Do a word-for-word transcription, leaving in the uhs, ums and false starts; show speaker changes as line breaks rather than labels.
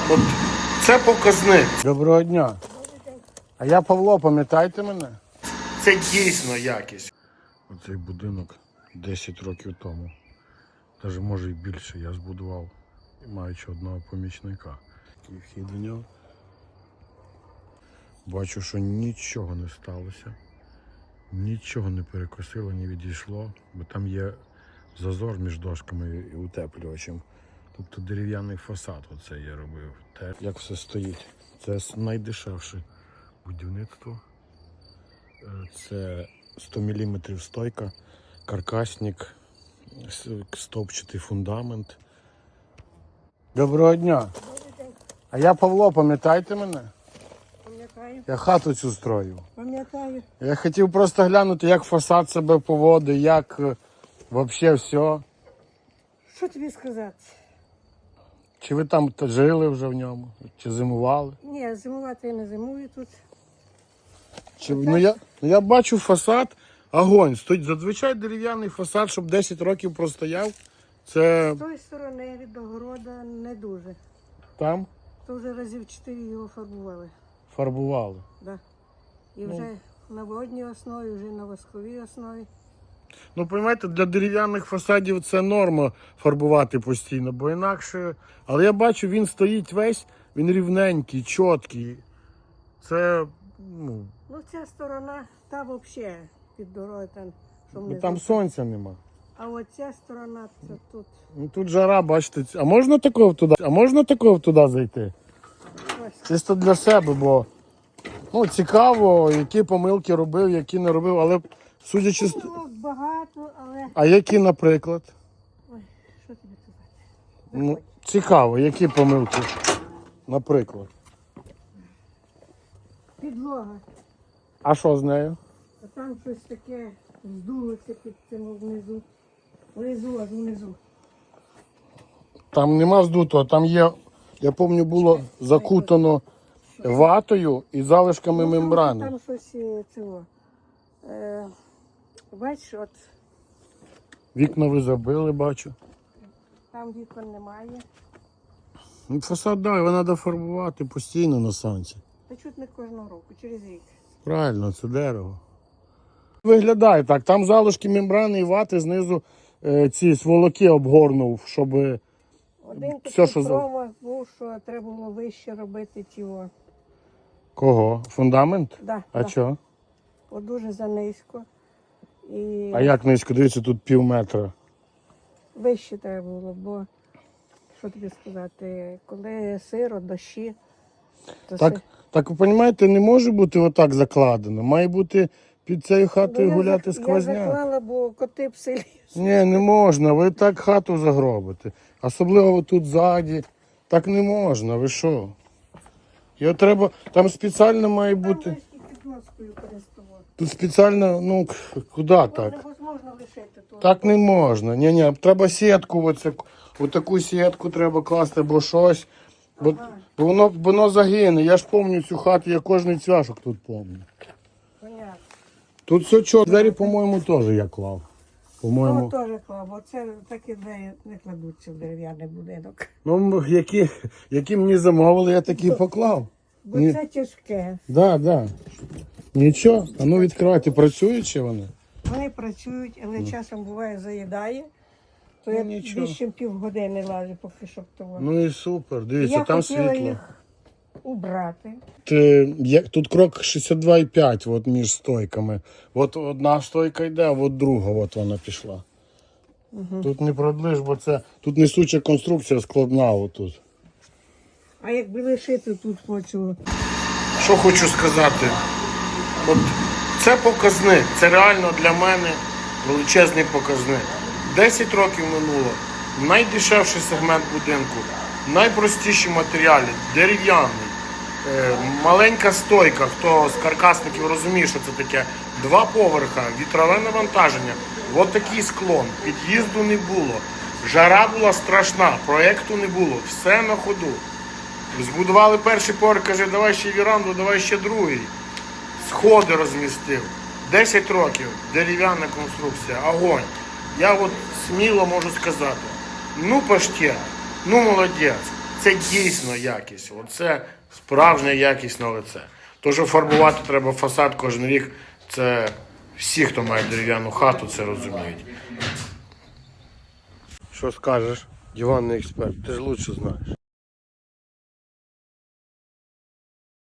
От це показник.
Доброго дня. А я Павло, пам'ятаєте мене?
Це дійсно якість.
Оцей будинок десять років тому, навіть може і більше, я збудував, маючи одного помічника. І вхід до нього. Бачу, що нічого не сталося, нічого не перекосило, не відійшло, бо там є зазор між дошками і утеплювачем. Тобто дерев'яний фасад оце я робив. Те, як все стоїть. Це найдешевше будівництво. Це сто міліметрів стойка, каркасник, стовпчатий фундамент. Доброго дня.
Добрий день. А
я Павло, пам'ятаєте мене?
Пам'ятаю.
Я хату цю строю.
Пам'ятаю.
Я хотів просто глянути, як фасад себе поводить, як взагалі все.
Що тобі сказати?
Чи ви там жили вже в ньому? Чи зимували?
Ні, зимувати я не зимую тут.
Чи, ну, я, ну я бачу фасад, огонь. Стоїть зазвичай дерев'яний фасад, щоб десять років простояв. Це
З тої сторони від огорода не дуже.
там
То вже разів чотири його фарбували.
фарбували.
Да. І вже на водній основі, вже на восковій основі.
Ну, розумієте, для дерев'яних фасадів це норма фарбувати постійно, бо інакше... Але я бачу, він стоїть весь, він рівненький, чіткий. Це, ну...
Ну, ця сторона, та взагалі під дорогою там, що
Ну,
внизу.
там сонця нема.
А от ця сторона, це тут.
Ну, тут жара, бачите. А можна такого туди? А можна такого туди зайти?
Ось.
Чисто для себе, бо ну, цікаво, які помилки робив, які не робив, але судячи з...
Було багато, але...
А які, наприклад?
Ой, що тобі казати?
Ну, цікаво, які помилки, наприклад.
Підлога.
А що з нею?
А там щось таке здулося під цим внизу. Внизу, аж внизу.
Там нема здутого, там є, я пам'ятаю, було закутано ватою і залишками
Ну, там-
мембрани.
Там щось е, цього. Е, бачиш, от
Вікна ви забили, бачу.
там вікон немає.
Ну, фасад, да, його треба фарбувати постійно на сонці.
Та чуть не кожного року, через рік.
Правильно, це дерево. Виглядає так, там залишки мембрани і вати, знизу е, ці сволоки обгорнув, щоб...
Один
Все,
такий
що за-
промах був, що треба було вище робити цього.
Кого? Фундамент?
Да,
А
да.
що?
От дуже занизько. І
А як низько? Дивіться, тут пів метра.
вище треба було, бо що тобі сказати, коли сиро, дощі, то
Так,
си-
так ви розумієте, не може бути отак закладено. Має бути під цією хатою
Ну, я
гуляти
зак- Я
сквозняк.
заклала, бо коти в селі.
Ні, не можна, ви так хату загробите. Особливо тут ззаді. Так не можна, ви що? Його треба, там спеціально має
Там
бути.
весь під доскою користував.
Тут спеціально, ну, к- куди так?
Невозможно лишити тут.
Так не можна. Ні, ні, треба сітку, оце, отаку сітку треба класти, або щось. Бо, бо воно, воно загине. Я ж пам'ятаю цю хату, я кожний цвяшок тут пам'ятаю.
Понятно.
Тут все чорно. Двері, по-моєму, теж я клав.
Ну,
По-моєму.
теж клав, бо це такі двері не кладуться в дерев'яний будинок.
Ну, які, які мені замовили, я такі поклав.
Бо
Ні.
це тяжке.
Да, да. Нічого, а ну відкривайте, працюють чи вони?
Вони працюють, але часом буває заїдає. То
Ну,
я
нічого.
більше півгодини лажу, поки щоб того.
Ну і супер, дивіться,
Я
там
хотіла
світло.
їх убрати.
Ти, є, тут крок шістдесят два і п'ять от між стойками. От одна стойка йде, а от друга от вона пішла.
Угу.
Тут не продлиш, бо це тут несуча конструкція складна отут.
А якби лишити тут хочу.
Що хочу сказати? От це показник, це реально для мене величезний показник. десять років минуло, найдешевший сегмент будинку, найпростіші матеріали, дерев'яний, е, маленька стойка, хто з каркасників розуміє, що це таке, два поверха, вітрове навантаження, от такий склон, під'їзду не було, жара була страшна, проєкту не було, все на ходу. Збудували перший поверх, каже, давай ще віранду, давай ще другий. Сходи розмістив. десять років, дерев'яна конструкція, огонь. Я от сміло можу сказати, ну паштет, ну молодець. Це дійсно якість. Оце справжнє якісне лице. То, що фарбувати треба фасад кожен рік, це всі, хто має дерев'яну хату, це розуміють. Що скажеш, диванний експерт, ти ж лучше знаєш.